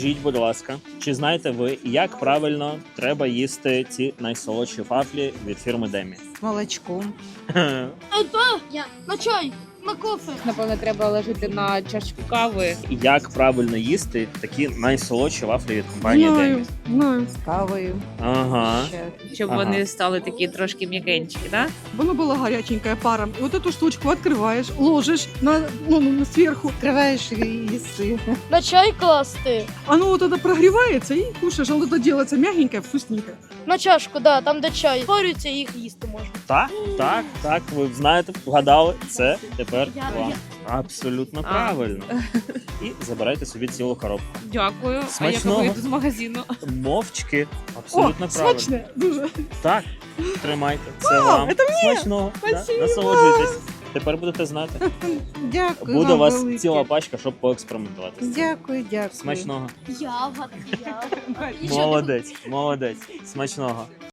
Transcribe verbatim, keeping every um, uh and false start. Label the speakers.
Speaker 1: Скажіть, будь ласка, чи знаєте ви, як правильно треба їсти ці найсолодші вафлі від фірми Демі?
Speaker 2: Молочком.
Speaker 3: Это я. На чай, на кофе.
Speaker 2: Напевно, треба ложити на чашку кави.
Speaker 1: Як правильно їсти такі найсолодші вафлі від компанії Демі?
Speaker 4: знаю.
Speaker 2: З кавою.
Speaker 1: Ага.
Speaker 2: Ще, щоб
Speaker 1: Ага.
Speaker 2: вони стали такі трошки м'якенькі, да?
Speaker 4: Воно было горяченькое паром. И вот эту штучку открываешь, ложишь на, ну, ну, сверху.
Speaker 2: Відкриваєш і їси.
Speaker 3: На чай класти.
Speaker 4: Оно вот это прогревается и кушаешь. Оно это делается мягенькое, вкусненькое.
Speaker 3: На чашку, да, там де чай. Порються і їх їсти можна.
Speaker 1: Так, так, так, ви знаєте, вгадали. Це тепер
Speaker 3: Я-
Speaker 1: вам.
Speaker 3: я-
Speaker 1: Абсолютно
Speaker 2: А.
Speaker 1: правильно. І забирайте собі цілу коробку.
Speaker 2: Дякую.
Speaker 1: Смачного.
Speaker 2: А я вийду з магазину.
Speaker 1: Мовчки.
Speaker 4: О,
Speaker 1: Абсолютно правильно.
Speaker 4: смачне, дуже.
Speaker 1: Так, тримайте. Це вам.
Speaker 4: це мені?
Speaker 1: Смачного. Да,
Speaker 4: Спасибо.
Speaker 1: Насолоджуйтесь. Тепер будете знати.
Speaker 2: Дякую.
Speaker 1: Буде у
Speaker 2: вам
Speaker 1: вас
Speaker 2: велике.
Speaker 1: ціла пачка, щоб поекспериментувати. з цим.
Speaker 2: Дякую, дякую.
Speaker 1: Смачного.
Speaker 3: Ягод, ягод.
Speaker 1: Молодець, молодець. Смачного.